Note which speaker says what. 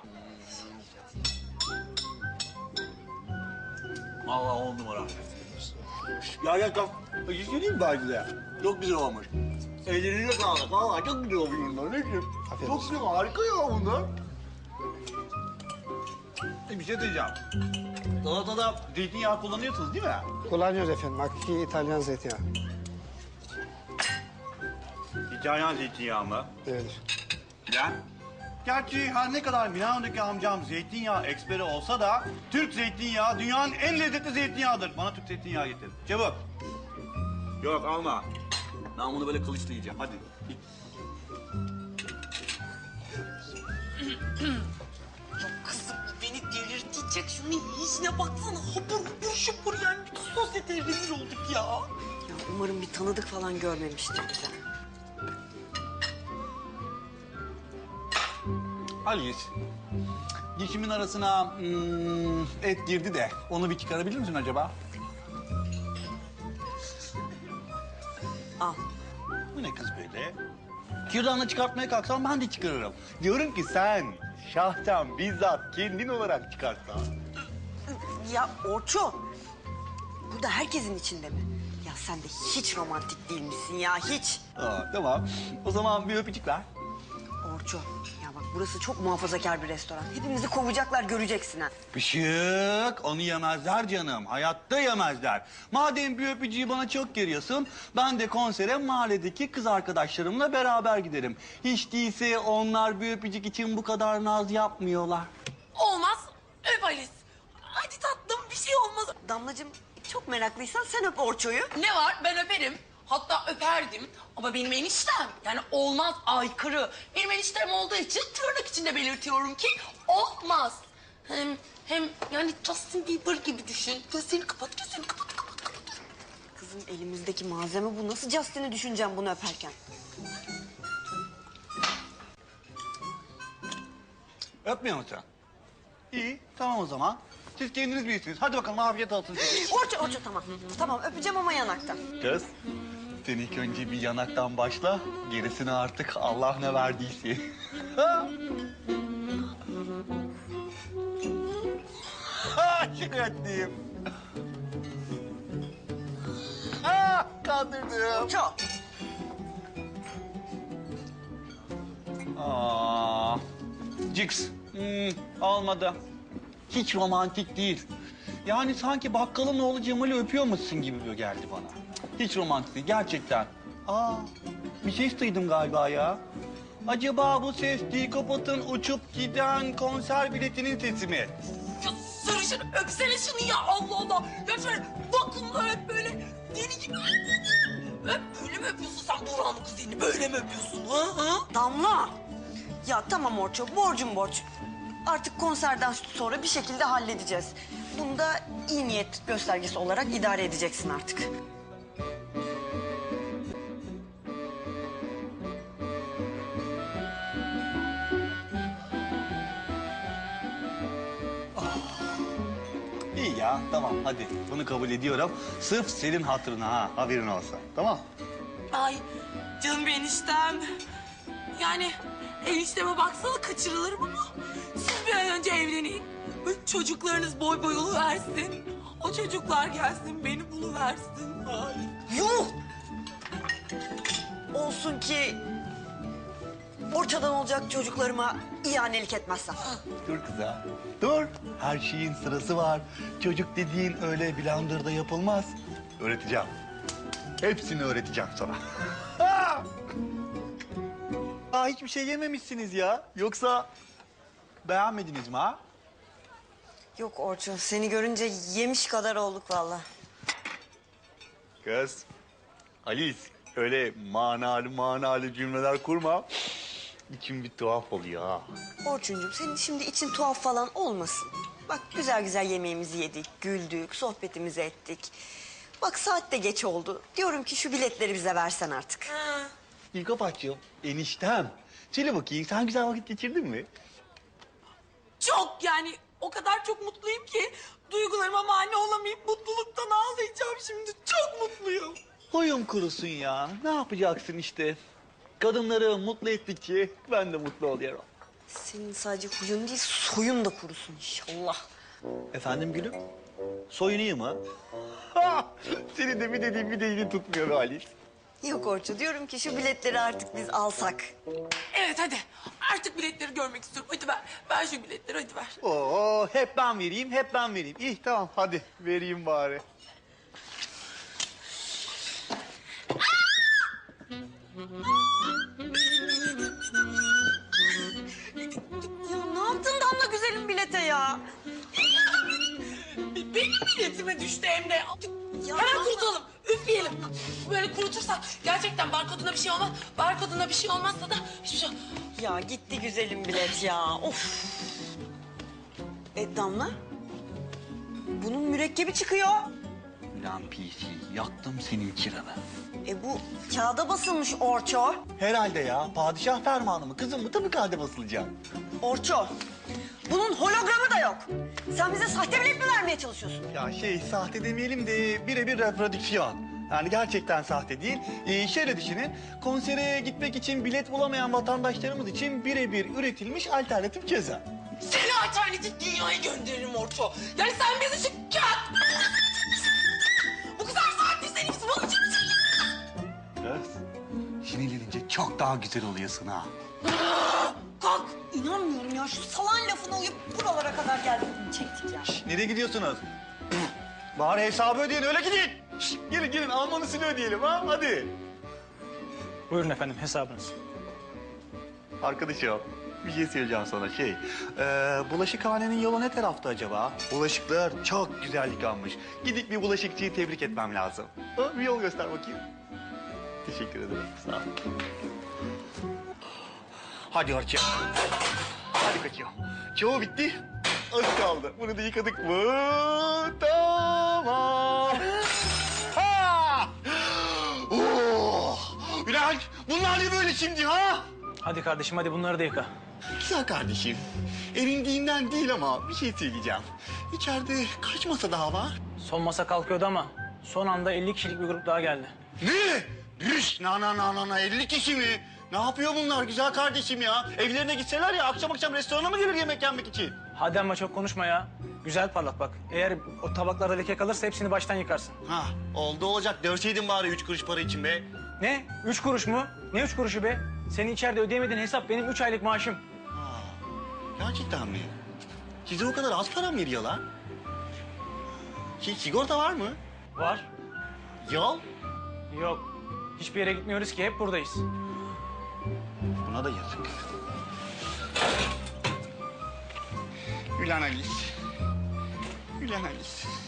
Speaker 1: Vallahi 10 numara. Ya kalk. Bir şey diyeyim mi ben size? Çok güzel olmuş. Ellerine sağlık. Vallahi çok güzel olmuş bunlar. Ne diyeyim? Çok güzel, harika ya bunlar. Bir şey diyeceğim. Salatada zeytinyağı kullanıyorsunuz değil mi?
Speaker 2: Kullanıyoruz efendim. Hakiki İtalyan zeytinyağı.
Speaker 1: İtalyan zeytinyağı mı?
Speaker 2: Evet.
Speaker 1: Ya. Gerçi her ne kadar Milano'daki amcam zeytinyağı eksperi olsa da Türk zeytinyağı dünyanın en lezzetli zeytinyağıdır. Bana Türk zeytinyağı getir. Çabuk. Yok alma. Ben bunu böyle kılıçla yiyeceğim. Hadi.
Speaker 3: Kızım beni delirtecek. Şunun işine baksana. Hapur hapur şupur yani. Bütün sosyeteye rezil olduk ya.
Speaker 4: Ya umarım bir tanıdık falan görmemiştir bize.
Speaker 1: Alice. Dişimin arasına et girdi de onu bir çıkarabilir misin acaba?
Speaker 4: Al.
Speaker 1: Bu ne kız böyle? Kürdanla çıkartmaya kalksam ben de çıkarırım. Diyorum ki sen şahsen bizzat kendin olarak çıkarsan.
Speaker 4: Ya Orço, burada herkesin içinde mi? Ya sen de hiç romantik değil misin ya, hiç.
Speaker 1: Aa, tamam. O zaman bir öpücük ver.
Speaker 4: Orço, ya bak burası çok muhafazakar bir restoran. Hepimizi kovacaklar, göreceksin ha.
Speaker 1: Pışık, onu yemezler canım. Hayatta yemezler. Madem bir öpücüğü bana çok geriyorsun, ben de konsere mahalledeki kız arkadaşlarımla beraber giderim. Hiç değilse onlar bir öpücük için bu kadar naz yapmıyorlar.
Speaker 3: Olmaz. Öp Alice. Hadi tatlım bir şey olmaz.
Speaker 4: Damlacığım, çok meraklıysan sen öp Orço'yu.
Speaker 3: Ne var ben öperim. Hatta öperdim ama benim eniştem yani olmaz aykırı. Benim eniştem olduğu için tırnak içinde belirtiyorum ki olmaz. Hem yani Justin Bieber gibi düşün. Gözlerini kapat, gözlerini kapat, kapat, kapat.
Speaker 4: Kızım elimizdeki malzeme bu. Nasıl Justin'i düşüneceğim bunu öperken?
Speaker 1: Öpmüyor musun? İyi, tamam o zaman. Siz kendiniz bilirsiniz. Hadi bakalım afiyet olsun size.
Speaker 4: Orço tamam. Tamam öpeceğim ama yanaktan.
Speaker 1: Kız, sen ilk önce bir yanaktan başla. Gerisini artık Allah ne verdiyse. Şaka ettim. Kandırdım.
Speaker 4: Orço.
Speaker 1: Cix, olmadı. Hiç romantik değil. Yani sanki bakkalın oğlu Cemal'i öpüyormuşsun gibi geldi bana. Hiç romantik değil, gerçekten. Bir ses duydum galiba ya. Acaba bu ses Dikopat'ın uçup giden konser biletinin sesi mi?
Speaker 3: Ya sarışın öpsene şunu ya Allah Allah. Ya şöyle vakumla öp böyle deli gibi. Öp böyle mi öpüyorsun sen Burhan'ın kuzenini böyle mi öpüyorsun ha?
Speaker 4: Damla. Ya tamam Orço, borcum borç. Artık konserden sonra bir şekilde halledeceğiz. Bunu da iyi niyet göstergesi olarak idare edeceksin artık.
Speaker 1: İyi ya, tamam hadi. Bunu kabul ediyorum. Sırf senin hatırına ha, haberin olsa. Tamam.
Speaker 3: Ay canım eniştem. Yani enişteme baksana kaçırılırım ama siz bir an önce evlenin. Böyle çocuklarınız boy boy oluversin. O çocuklar gelsin beni buluversin. Ay.
Speaker 4: Yuh! Olsun ki Orço'dan olacak çocuklarıma ihanelik etmezsem.
Speaker 1: Dur kıza. Dur. Her şeyin sırası var. Çocuk dediğin öyle blenderda yapılmaz. Öğreteceğim. Hepsini öğreteceğim sana. Hiçbir şey yememişsiniz ya. Yoksa beğenmediniz mi ha?
Speaker 4: Yok Orço, seni görünce yemiş kadar olduk vallahi.
Speaker 1: Kız, Alice öyle manalı cümleler kurma. İçim bir tuhaf oluyor ha.
Speaker 4: Orçuncuğum senin şimdi için tuhaf falan olmasın. Bak güzel güzel yemeğimizi yedik, güldük, sohbetimizi ettik. Bak saat de geç oldu. Diyorum ki şu biletleri bize versen artık.
Speaker 1: İlkapatçığım, eniştem. Söyle bakayım, sen güzel vakit geçirdin mi?
Speaker 3: Çok yani o kadar çok mutluyum ki duygularıma mani olamayıp mutluluktan ağlayacağım şimdi. Çok mutluyum.
Speaker 1: Huyum kurusun ya. Ne yapacaksın işte? Kadınları mutlu ettikçe ben de mutlu oluyorum.
Speaker 4: Senin sadece huyun değil, soyun da kurusun inşallah.
Speaker 1: Efendim gülüm? Soyunayım mı? Ha! Senin de bir dediğin bir dediğini tutmuyor be Halis.
Speaker 4: Yok Orço, diyorum ki şu biletleri artık biz alsak.
Speaker 3: Evet hadi. Artık biletleri görmek istiyorum. Hadi ver. Ver şu biletleri hadi ver.
Speaker 1: Oo, hep ben vereyim, hep ben vereyim. İyi tamam hadi vereyim bari.
Speaker 4: Ya ne yaptın Damla güzelim bilete ya?
Speaker 3: Benim biletime düştü hem de.
Speaker 4: Ya
Speaker 3: Hemen
Speaker 4: Damla-
Speaker 3: kurutalım. Üfleyelim. Böyle kurutursak gerçekten barkoduna bir şey olmaz. Barkoduna bir şey olmazsa da hiçbir şey...
Speaker 4: Ya gitti güzelim bilet ya. Of. Damla? Bunun mürekkebi çıkıyor.
Speaker 1: Lan PC, yaktım senin kiranı.
Speaker 4: Bu kağıda basılmış Orço.
Speaker 1: Herhalde ya, padişah fermanı mı? Kızım mı? Tabii kağıda basılacak.
Speaker 4: Orço. Bunun hologramı da yok. Sen bize sahte bilet mi vermeye çalışıyorsun?
Speaker 1: Ya sahte demeyelim de birebir reprodüksiyon. Yani gerçekten sahte değil. Şöyle düşünün, konsere gitmek için bilet bulamayan vatandaşlarımız için birebir üretilmiş alternatif ceza.
Speaker 3: Seni alternatif dünyaya gönderirim Orço. Yani sen bizi şu kağıt... Bu kadar saattir senin için bunun için mi çekiyorsun?
Speaker 1: Kız, sinirlenince çok daha güzel oluyorsun ha.
Speaker 4: Kalk. İnanmıyorum ya. Şu salan lafına uyup buralara kadar geldik. Çektik ya.
Speaker 1: Nereye gidiyorsunuz? Bari hesabı ödeyin, öyle gidin. Şişt, gelin almanısını ödeyelim ha, hadi.
Speaker 5: Buyurun efendim hesabınız.
Speaker 1: Arkadaşım, bir şey söyleyeceğim sana bulaşıkhanenin yolu ne tarafta acaba? Bulaşıklar çok güzel yıkanmış. Gidip bir bulaşıkçıyı tebrik etmem lazım. Ha, bir yol göster bakayım. Teşekkür ederim, sağ ol. Hadi Orçun. Hadi kaçıyor. Çoğu bitti. Az kaldı. Bunu da yıkadık mı? Tamam. Ha! Oh! Bülent, bunlar ne böyle şimdi ha?
Speaker 5: Hadi kardeşim hadi bunları da yıka.
Speaker 1: Güzel kardeşim. Erindiğinden değil ama bir şey söyleyeceğim. İçeride kaç masa daha var?
Speaker 5: Son masa kalkıyordu ama son anda 50 kişilik bir grup daha geldi.
Speaker 1: Ne? Üş, na 50 kişi mi? Ne yapıyor bunlar güzel kardeşim ya? Evlerine gitseler ya akşam restorana mı gelir yemek yenmek için?
Speaker 5: Hadi ama çok konuşma ya. Güzel parlat bak. Eğer o tabaklarda leke kalırsa hepsini baştan yıkarsın.
Speaker 1: Ha, oldu olacak. Dövseydin bari 3 kuruş para için be.
Speaker 5: Ne? 3 kuruş mu? Ne 3 kuruşu be? Senin içeride ödeyemediğin hesap benim 3 aylık maaşım.
Speaker 1: Ha, gerçekten mi? Size o kadar az para mı veriyorlar? Sigorta var mı?
Speaker 5: Var.
Speaker 1: Yol?
Speaker 5: Yok. Hiçbir yere gitmiyoruz ki hep buradayız.
Speaker 1: Buna da yazık. Ulan Alice. Ulan Alice.